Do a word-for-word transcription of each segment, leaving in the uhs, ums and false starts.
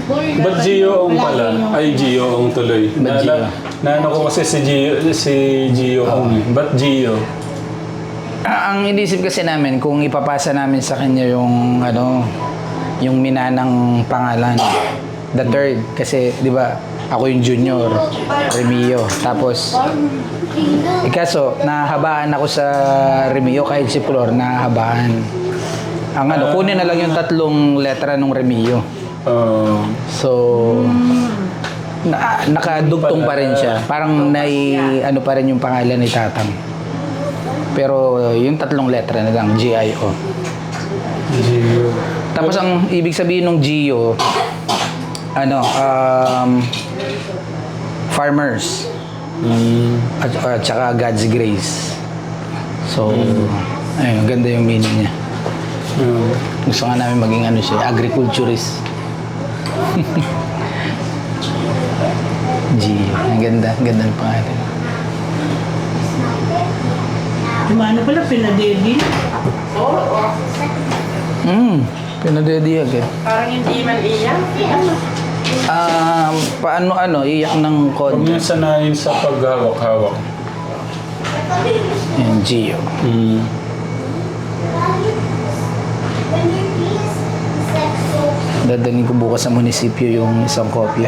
Ba't Gio-ong pala? Ay, Gio-ong tuloy. Ba't Gio? Naano ko kasi si Gio, si Gio-ong. eh. Ba't Gio? Ah, ang inisip kasi namin kung ipapasa namin sa kanya yung ano, yung minanang pangalan, the third, kasi di ba ako yung junior, Remio. Tapos eh, kaso nahahabaan ako sa Remio kahit si Flor nahahabaan. Ang ano, kunin na lang yung tatlong letra ng Remio. Uh, So na, nakadugtong pa rin siya. Parang nai ano pa rin yung pangalan ni Tatang. Pero yung tatlong letra na lang, G I O. Gio. Tapos ang ibig sabihin ng Gio, ano, um, farmers. Mm. At, at saka God's grace. So, ayun, ganda yung meaning niya. Uh, Gusto nga namin maging ano siya, agriculturist. Gio, ang ganda, ang ganda ng pangalan. Ano pala, pinadedi? Hmm, pinadedi agad. Parang hindi man iyak. Um, paano ano, iyak ng Huwag konti. niyo sanayin sa paghawak-hawak. Ayan, Gio. Mm. Dadalhin ko bukas sa munisipyo yung isang kopya.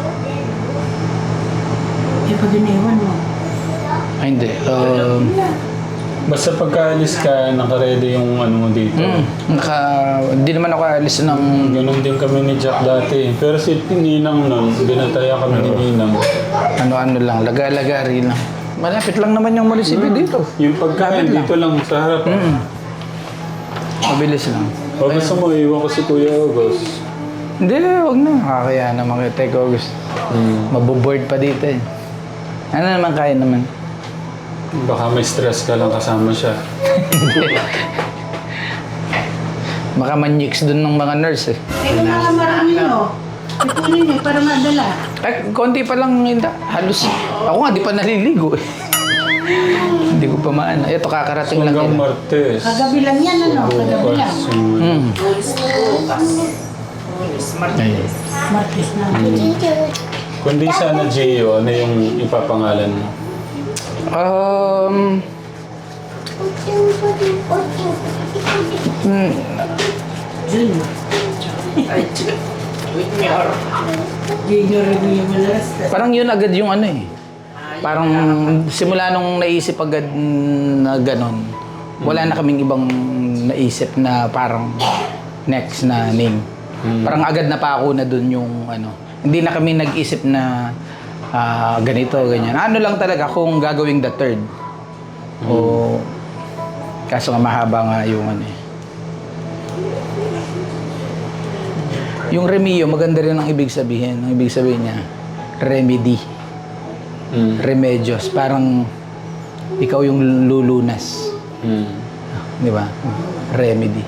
Eh, pag iniwan mo. Ay, hindi. Um, Basta pagkaalis ka, nakaredy yung ano mo dito. mm, naka, hindi naman ako alis ng... Ganon din kami ni Jack dati. Pero si Ninang nun, binataya kami ni Ninang. Ano-ano lang, laga-lagari lang. Malapit lang naman yung munisipyo dito. Yung pagkain Lapit lang. dito lang sa harap. Mm. Mabilis lang. O gusto mo, iwan ko si Kuya August. Hindi, wag na. Kakaya naman kay Teko August. Mm. Maboboard pa dito eh. Ano naman, kaya naman. Baka may stress ka lang kasama siya. Baka man-nix dun ng mga nurse eh. Eh, kung mga marami nyo, ipunin nyo para madala. Ay, konti pa lang hindi. Halos, ako nga di pa naliligo eh. Hindi ko pa maano. Ito, kakarating lang Hanggang yun. Martes. Kagabi lang yan, ano? Kagabi lang. Bukas. yung- Mm. Ayun. Martes na. Kundi sana Gio, ano yung ipapangalan mo? Um, mm, Junior. Ay, junior. Junior review mo last. parang yun agad yung ano eh. Parang simula nung naisip agad na ganon, wala na kaming ibang naisip na parang next na name. Parang agad na pa ako na dun yung ano. Hindi na kami nag-isip na ah, ganito, ganyan. Ano lang talaga kung gagawing the third. O kaso nga mahaba nga yung ano eh. Yung Remio, maganda rin ang ibig sabihin. Ang ibig sabihin niya, remedy. Mm. Remedios. Parang ikaw yung lulunas. Mm. Di ba? Remedy.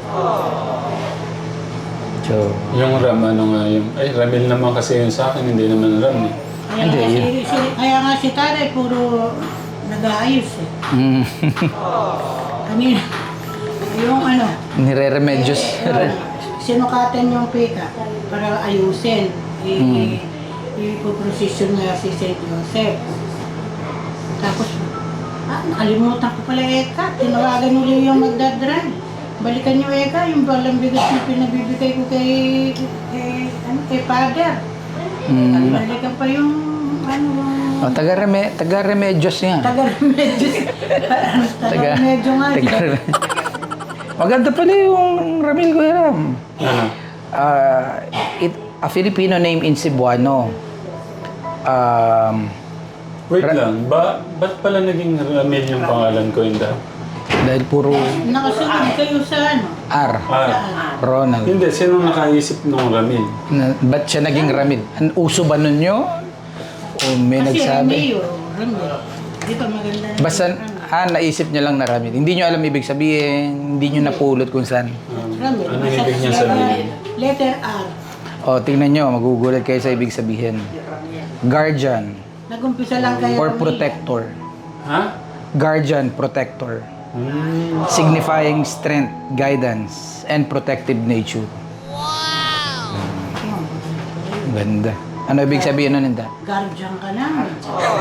So, Yung Ram, ano nga yung... Ay, Ramil naman kasi yun sa akin, hindi naman Ram eh. Kaya Hindi, nga yun. si, si, kaya nga si Tare, puro nag-aayos eh. mm, Kanina, yung ano, nire-remedios. eh, sinukatan yung pika para ayusin. I, Mm. ipoprosesyon nga si Saint Joseph. Tapos, ah, nakalimutan ko pala Eka. Tinawagan ulit yung magdadrive. Balikan niyo Eka, yung balang bigas na pinabibigay ko kay, kay, ano, kay Father. Mm. Balikan pa yung, ano, Oh, taga-reme, taga-remedios nga. taga-remedyo. Taga-remedyo nga. taga-reme- Maganda pala yung Ramil Kuya Ram. Ano? Ah, it, a Filipino name in Cebuano. Um, Wait Ra- lang, ba, ba't pala naging Ramil yung pangalan ko yun da? dahil puro Nakasunod kayo sa ano? R. Ah, Ronald. hindi, sino nakaisip ng Ramil? Na, ba't siya naging Ramil? An uso ba nun nyo? O may Kasi nagsabi? Romeo, Romeo. Di ba maganda na Basta, yung Romeo? ah, naisip nyo lang na Ramil. Hindi nyo alam ibig sabihin, hindi nyo napulot kung saan. Um, Romeo. ano Basta ibig niya letter- sabihin? Letter R. O, tingnan nyo, magugulat kayo sa ibig sabihin. Guardian Nagumpisa lang kayo. or Romeo. protector. Ha? Guardian, protector. Hmm. Signifying strength, guidance, and protective nature. Ganda. Ano ibig sabihin nun, Inda? Guardian ka namin.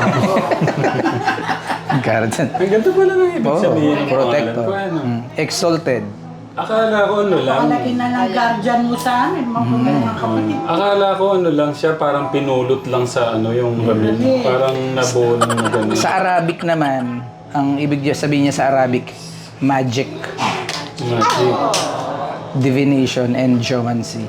Guardian. Ang ganda pala ng ibig Oo, sabihin ng protector. pangalan ko, ano? Mm, exalted. Akala ko ano lang. Napakalaki na ng guardian mo sa amin, mga mga kapatid. Akala ko ano lang siya, parang pinulot lang sa ano yung ramen. Parang nabuo ng gano'n. Sa Arabic naman, ang ibig niya sabihin niya sa Arabic, magic, Magic. divination, and geomancy.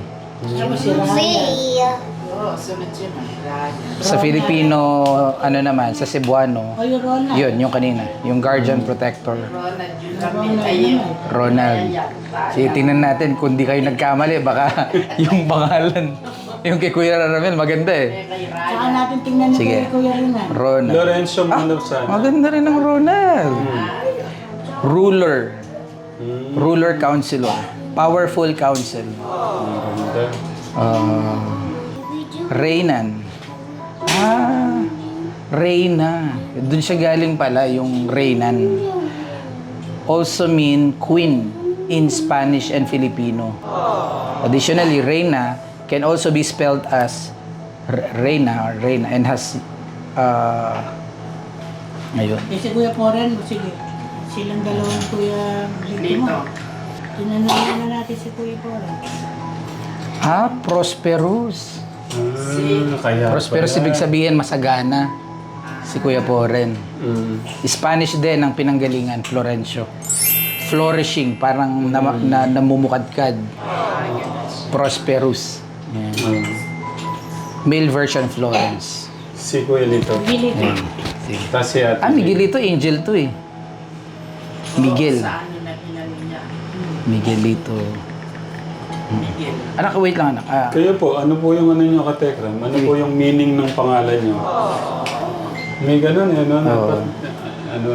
Oo, sunod-sunod. Sa Filipino, ano naman, sa Cebuano, O yung Ronald. yun, yung kanina, yung guardian protector, Ronald, yung kami ayun. Ronald. Sige, tingnan natin kung di kayo nagkamali, baka yung pangalan, yung kay Kuya Ramel, maganda eh. Saka natin tingnan ni Sige. Kuya Rinal. Ronald. Lorenzo Manov sana. Maganda rin ang Ronald. Ruler. Hmm, Ruler counselor. Powerful counsel. ang ganda. Uh, Reynan. Ah, Reyna. Doon siya galing pala, yung Reynan. Also mean queen in Spanish and Filipino. Additionally, Reyna can also be spelled as R- Reyna or Reyna and has uh, ayun. Eh, si Kuya Poren, sige. Silang dalawang Kuya Lito Dito. mo. Tinanong na natin si Kuya Poren. Ah, prosperous. Ah, kaya Prosperous pala. ibig sabihin masagana. Si Kuya Poren. Mm. Spanish din ang pinanggalingan, Florencio. Flourishing, parang na, na, namumukadkad. Prosperous. Yan. Ah, Male version, Florence. si Kuya Lito. Gilito. Sige. Tapos si Ate Ah, Miguel ito, angel to eh. Miguel. Sa ano na pinano niya. Miguelito. Miguel. Anak, wait lang anak. Ah, Kayo po, ano po yung ano nyo katekram? Ano po yung meaning ng pangalan nyo? May ganun eh, ano? Oo. Dapat, ano?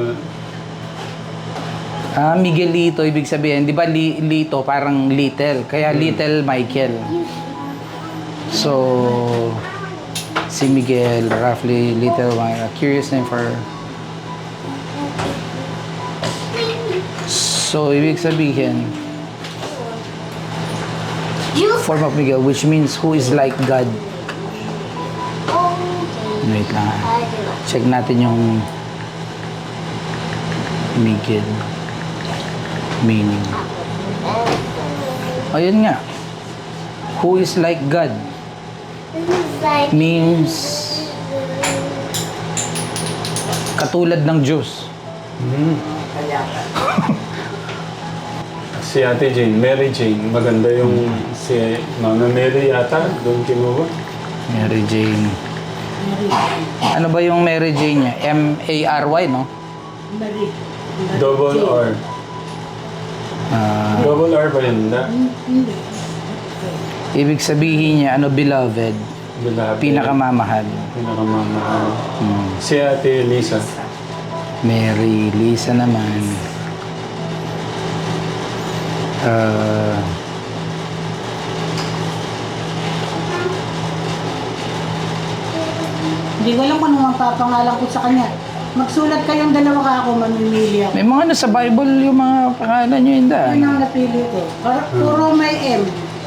ah, Miguelito, ibig sabihin, di ba li, Lito, parang little. Kaya Little Michael. So, si Miguel, roughly Little Michael. Curious name for... So, ibig sabihin, form of Miguel, which means who is like God. Wait lang. ah. Check natin yung Miguel meaning. Ayun nga. Who is like God means katulad ng Diyos. Hmm. Kaya ka. Si Ate Jane, Mary Jane. Maganda yung si Mama Mary yata. Doon kinuha. Mary Jane. Mary. Ano ba yung Mary Jane niya? M A R Y, no? Mary. Double R. Ah, Double R ba yun? Na? Hindi. ibig sabihin niya, ano, beloved, Beloved. pinakamamahal. Pinakamamahal. Hmm. Si Ate Lisa. Mary, Lisa naman. Ah, Hindi ko alam kung ano ang papangalan ko sa kanya. Magsulat kayong dalawa ka ako, mamimili ako. may mga ano sa Bible yung mga pangalan nyo yun daan. Yun ang napili ko. Para- Puro may M.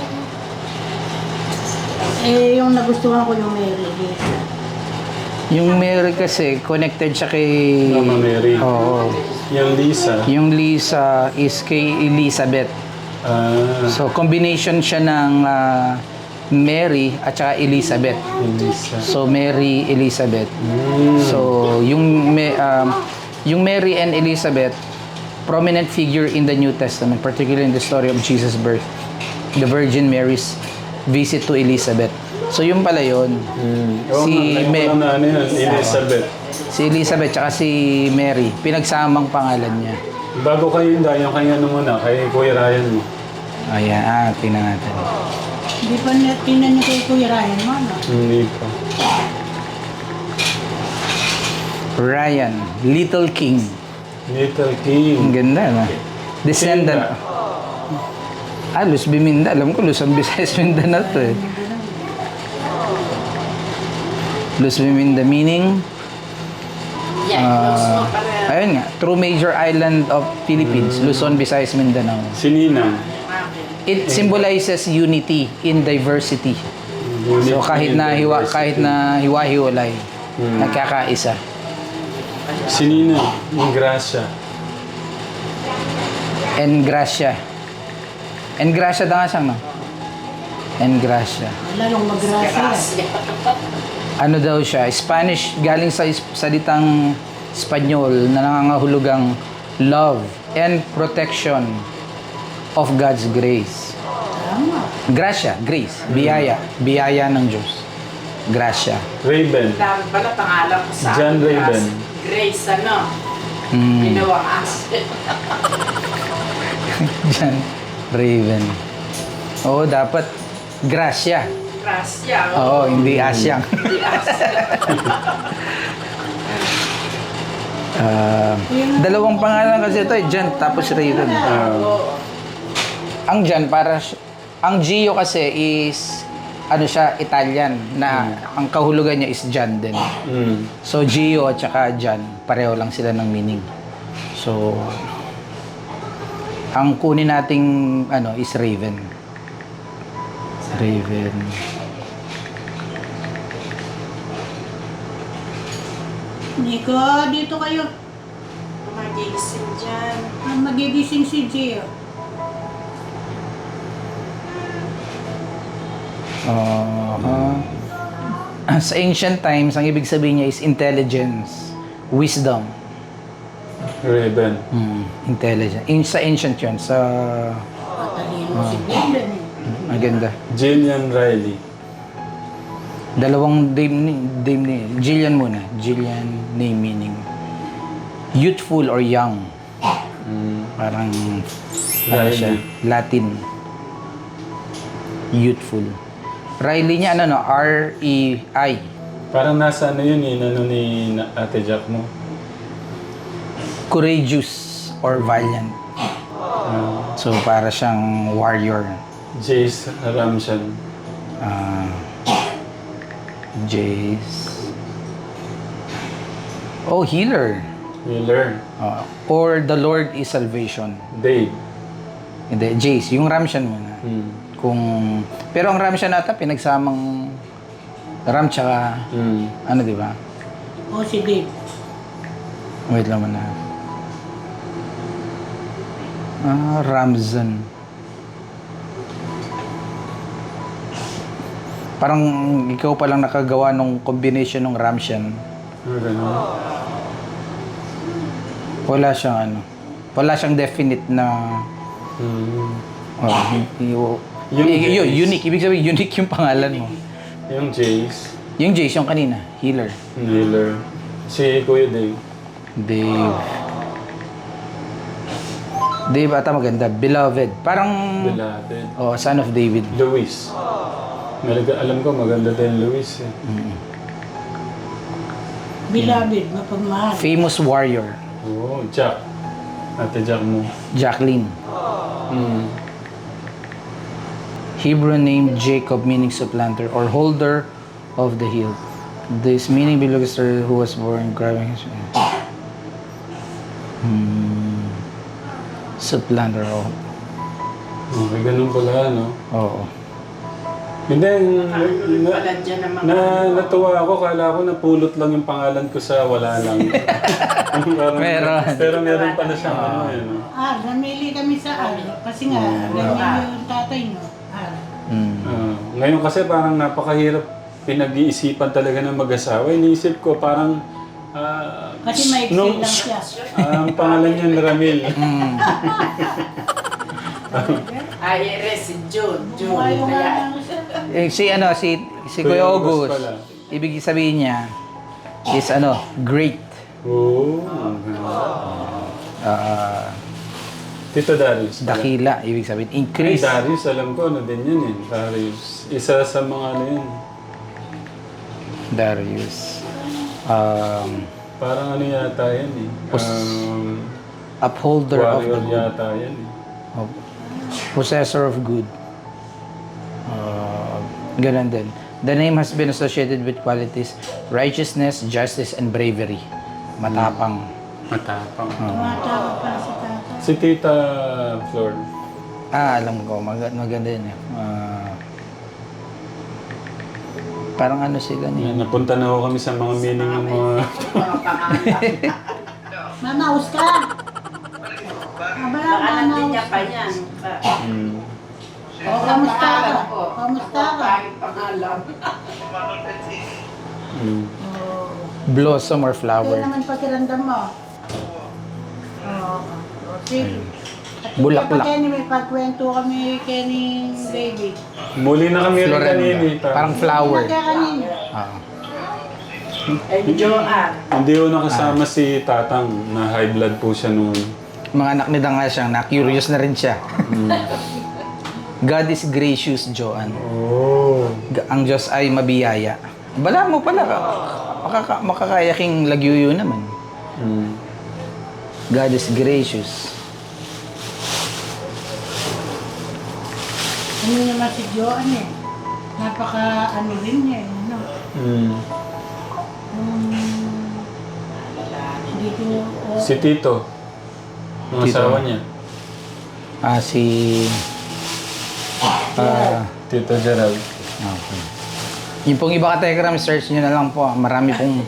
Eh, yung nagustuhan ko yung Mary Lisa. Yung Mary kasi, connected siya kay... Mama Mary. Oo. Yung Lisa. Yung Lisa is kay Elizabeth. Ah, So, combination siya ng ah, Mary at saka Elizabeth. Lisa. So, Mary, Elizabeth. Hmm. So, yung, Ma- um, yung Mary and Elizabeth, prominent figure in the New Testament, particularly in the story of Jesus' birth. The Virgin Mary's visit to Elizabeth. So, yung pala yun. Hmm. Oo Si nga, Me- ngayon ko lang na ano yun, Elizabeth. Si Elizabeth tsaka si Mary, pinagsamang pangalan niya. Bago kayo yun, yung kanya na muna, kay Kuya Ryan mo. Ayan, ah, tingnan natin. Hindi pa na tinan niyo kay Kuya Ryan mo, no? Hindi pa. Ryan, Little King. Little Ang King. ganda, no? Descendant. Ah, Luz Biminda. Alam ko, Luzon, Visayas, Mindanao to eh. Luz Biminda meaning, Yan, ah, uh, para ayun nga, true major island of Philippines, Luzon, Visayas, Mindanao. Si Nina. It symbolizes unity in diversity. Unit So kahit na hiwa, diversity. kahit na hiwa-hiwalay, Hmm. nagkakaisa. Si Nina, yung Gracia. En gracia. En gracia da nga siyang, no? En gracia. Lalong magrasa. Grasya. Ano daw siya? Spanish, galing sa is- salitang Espanyol na nangangahulugang love and protection of God's grace. Tama. Gracia, grace, biyaya, biyaya ng Diyos. Gracia. Raven. Dami pala pangalan ko sa John akin, Raven. Grace- Grace ano? Mm. Ginawang as. Diyan, Raven. Oo, dapat Gracia. Grasya. Oo, hindi Asyang. Hindi as. Ah, dalawang pangalan kasi ito, eh, Jan tapos Raven. Ah, Ang Jan para si- ang Gio kasi is ano siya, Italian na ang kahulugan niya is Jan din. mm. So Gio at saka Jan, pareho lang sila ng meaning. So ang kunin nating ano is Raven. Raven. Nico, dito kayo. Magigising dyan. Ah, magigising si Gio. Uh, sa ancient times, ang ibig sabihin niya is intelligence, wisdom. Raven. Hmm, intelligence. In, sa ancient yun, sa Matalino si Glenn eh. maganda. Jillian Riley. Dalawang name ni, name ni Jillian muna. Jillian name meaning youthful or young. Mm. Parang ano Riley. siya, Latin. Youthful. Riley niya ano no, R E I. Parang nasa ano yun eh, ano ni na- Ate Jack mo. Courageous or valiant. Ah, So para siyang warrior. Jace Ramshan. Ah, Jace. Oh, healer. Wheeler. Ah, or the Lord is salvation. Dave. Hindi, Jace. Yung Ramshan muna. Mm. Kung, pero ang Ramshan ata pinagsamang Ram tsaka, Mm. ano di ba? O si Dave. Wait lang muna. Ah, Ramzan. Parang ikaw pa lang nakagawa ng combination ng Ramshan. Ah, ganun. Wala siyang ano. Wala siyang definite na Mm. oh, y- Yung y- y- Jace. unique. Ibig sabihin, unique yung pangalan mo. Yung Jace. Yung Jace, yung kanina, healer. Wheeler. Si Kuya Dave. Dave. Dave ata maganda. Beloved. Parang, Beloved. oh, son of David. Luis. Malaga, alam ko maganda din Luis eh. Beloved, mapagmahal. Famous warrior. Oo, Jack. Ate Jack mo. Jacqueline. Mm. Hebrew name Jacob meaning supplanter or holder of the hill. This meaning belongs to her who was born grabbing his hmm. Supplanter. Oh. Okay, ganun pala, no? Oo. Hindi, na, na, Wala dyan ang mga... na, natuwa ako. Kala ko napulot lang yung pangalan ko sa wala lang. Parang- Meron. Pero meron pala siyang ano eh, no? Ah, namili kami sa Al. Kasi nga, Remy yung tatay no. Al. Hmm. Ah, ngayon kasi parang napakahirap pinag-iisipan talaga ng mag-asawa. Iniisip ko parang... ah, Kasi maiksi nung- lang siya. ah, ang pangalan niya ni Ramil. Ay, Iris, si June. June. Buhay yung Kaya, ano siya. Eh, si ano, si, si Kuya Kuya August August, pala. ibig sabihin niya is ano, great. Oo. Okay. Ah, Tito Darius. pala. dakila, ibig sabihin, Ay, increase. Darius, alam ko, ano din yun eh. Darius. Isa sa mga ano yun. Darius. Um, Parang ano yata yan eh. Um, upholder of the warrior good. yata yan eh. Of, possessor of good. Uh, ganun din. The name has been associated with qualities righteousness, justice, and bravery. Matapang. Matapang. Tumatawag pala si tatay. Si Tita Flor. Ah, alam ko. Mag maganda yun eh. Ah, Parang ano sila ni. Yan, napunta na ako kami sa mga meaning ng mga... Mga pangalan. Mamaus ka! Abala, Baka nandun niya mamaus pa ka. yan. Hmm. O, kamusta ka? po. Kamusta ka? Pangit pangalan. Hmm. Oo. Blossom or Kaya flower. naman pakiramdam mo. Oo. O, sige. At Bulaklak. Kenny, may pagkwento kami Kenny baby. Muli na kami rin Florenda. kanina. Parang flower. Kaya kanina. Ah. And Joanne. Hindi ko nakasama si Tatang na high blood po siya noon. Mga anak nila nga siya, na-curious na rin siya. God is gracious, Joanne. Oh. Ga- Ang Diyos ay mabiyaya. Bala mo pala, makaka makakayaking lagyuyo naman. Hmm. God is gracious. Ano naman si Joanne eh. Napaka ano rin niya eh. Ano? Hmm. Um, dito, oh, Si Tito. Ang Tito. asawa niya. Ah, si... Ah, Tito Gerald. okay. Yung pong iba ka-telegram, search nyo na lang po. Marami pong...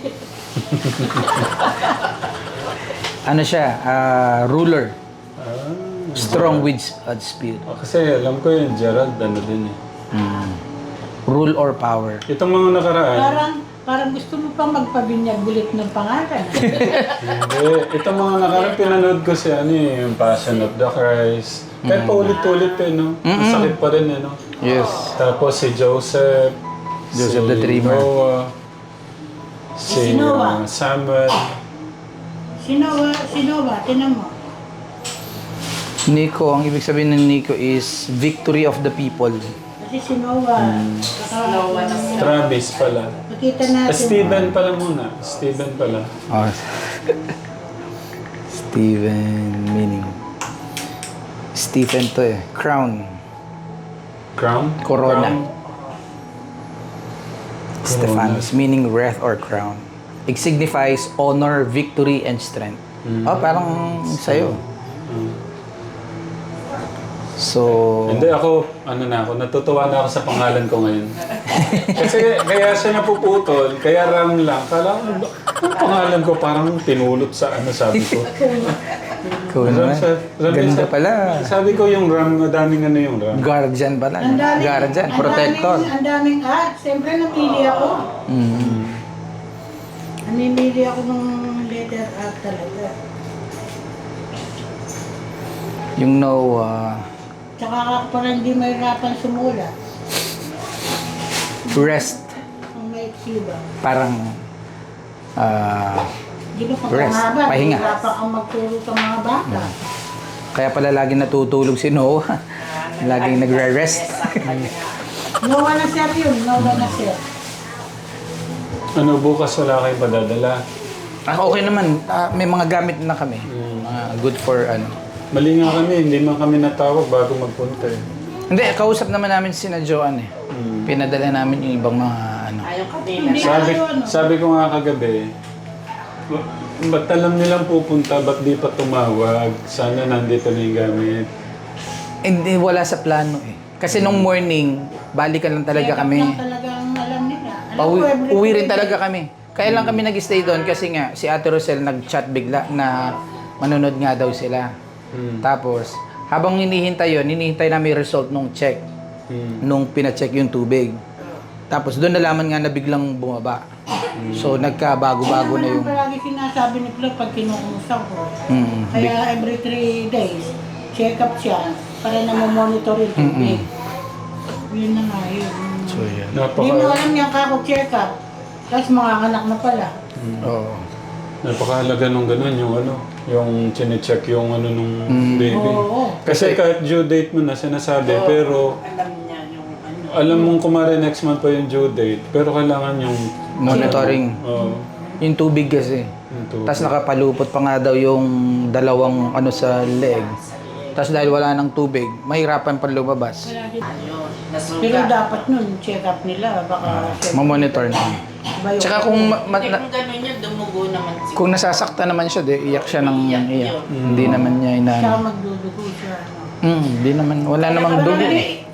ano siya? Ah, ruler. Ah. Strong with uh, spirit. Ah, kasi alam ko yung Gerald, ano din eh. Mm. Rule or power. Itong mga nakaraan, parang, parang gusto mo pang magpabinyag ulit ng pangalan. hindi. Itong mga nakaraan, pinanood ko si ano eh, yung Passion of the Christ. Kahit paulit-ulit eh, no? Ang sakit pa rin eh, no? Yes. Tapos si Joseph, Joseph si the Dreamer. Noah, si Si Noah. uh, Samuel. Sino ba? Sino ba? Tinan mo. Nico, ang ibig sabihin ng Nico is victory of the people. Kasi si Noah. Baka, Noah na siya. Travis pala. Makita Ah, natin. Stephen pala muna. Stephen pala. Oh. Stephen meaning. Stephen to eh. Crown. Crown? Corona. Crown? Stephanos meaning wreath or crown. It signifies honor, victory, and strength. Oh, parang sa'yo. So, Hindi ako, ano na ako, natutuwa na ako sa pangalan ko ngayon. Kasi kaya siya napuputol, kaya Ram lang. Kala ko, ba- ang pangalan ko parang tinulot sa ano sabi ko. ikaw naman. Sa- sabi Ganda sa- pala. Sabi ko yung Ram, madaming ano yung Ram. Guardian pala. Ang daming, Guardian, ang protector. daming, ang daming ah, siyempre napili ako. Mm. Namimili ako ng letter A talaga. Yung Noah, Tsaka ako parang hindi mahirapan sumula. rest. Ang may ba? Parang, ah, Di ba pag Rest, mahaba, pahinga. mahirapan kang magturo sa mga bata. kaya pala lagi natutulog si Noah. Laging nagre-rest. Nawa na sir yun, nawa na sir. Ano, bukas wala kayong padadala. Ah, okay naman. Ah, may mga gamit na kami. Mga good for ano. Mali nga kami, hindi man kami natawag bago magpunta eh. Hindi, kausap naman namin si na Joanne eh. Mm. Pinadala namin yung ibang mga ano. Ayaw kanina. Hindi Sabi, tayo, ano? sabi ko nga kagabi, ba- ba't alam nilang pupunta, ba't di pa tumawag? Sana nandito na yung gamit. Hindi, wala sa plano eh. Kasi nung morning, balikan lang talaga Kaya kami. lang talagang alam nila. Alam Pauwi, ko, every uwi rin Friday. talaga kami. Kaya lang kami nag-stay doon kasi nga si Ate Rosel nag-chat bigla na manonood nga daw sila. Hmm. Tapos, habang hinihintay yun, hinihintay namin yung result nung check. Hmm. Nung pina-check yung tubig. Tapos doon nalaman nga na biglang bumaba. So nagkabago-bago na yung... Ano naman palagi sinasabi ni Flo pag kinukumusta ko. Mm, Kaya every three days, check up siya para na monitor yung tubig. Yun na nga yun. so yan. Hindi mo Napaka, alam niya kako check up. Tapos mga anak na pala. Oo. napakahalaga nung ganun, yung ano, yung chinecheck yung ano nung baby. Oo. Kasi kahit due date mo na sinasabi, pero Alam niya yung ano. alam mong kumare next month pa yung due date, pero kailangan yung Monitoring. Oo. Yung tubig kasi. yung tubig. Tapos nakapalupot pa nga daw yung dalawang ano sa leg. Tapos dahil wala ng tubig, mahirapan pa lumabas. Wala din. Ayun. Pero Nasugat. dapat nun, check up nila. Baka Mamonitor na. Iba yung- Tsaka kung, ma- ma- Hindi na- kung gano'n yun, dumugo naman siguro. kung nasasaktan naman siya, di, iyak siya ng Iyak iyak. yun. Hindi naman niya Tsaka inaano. magdudugo siya. ano. Hmm, hindi naman, wala namang dugo. Hindi,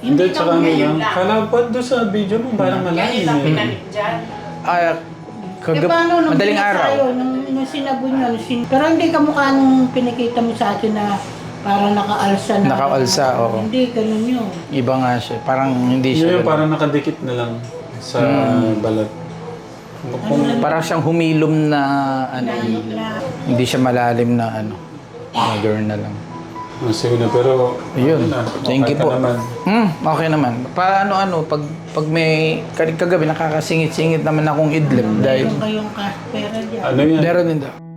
Hindi, Hindi tsaka ka ano ngayon lang. lang. Kala pa doon sa video mo, parang Ganyan malalim lang eh. pinanik dyan. Ah, Eh kagab- paano nung madaling binas araw. sa'yo, nung, nung sinabi niyo, sin- pero hindi ka mukha nung pinikita mo sa akin na parang nakaalsa na. Nakaalsa, oo. Hindi, ganun yun. Iba nga siya. Parang hindi Yun siya. yung ganun. parang nakadikit na lang sa balat. Kung, Parang siyang humilom na ano. Na, na, Hindi siya malalim na ano. Na girl na lang. ah, sige na, pero Ayun. ano na, Thank you okay ka po. naman. Hmm, okay naman. Paano ano, pag pag may kag- kagabi nakakasingit-singit naman akong idlip dahil meron kayong cash pera dyan. Ano yan? meron din daw.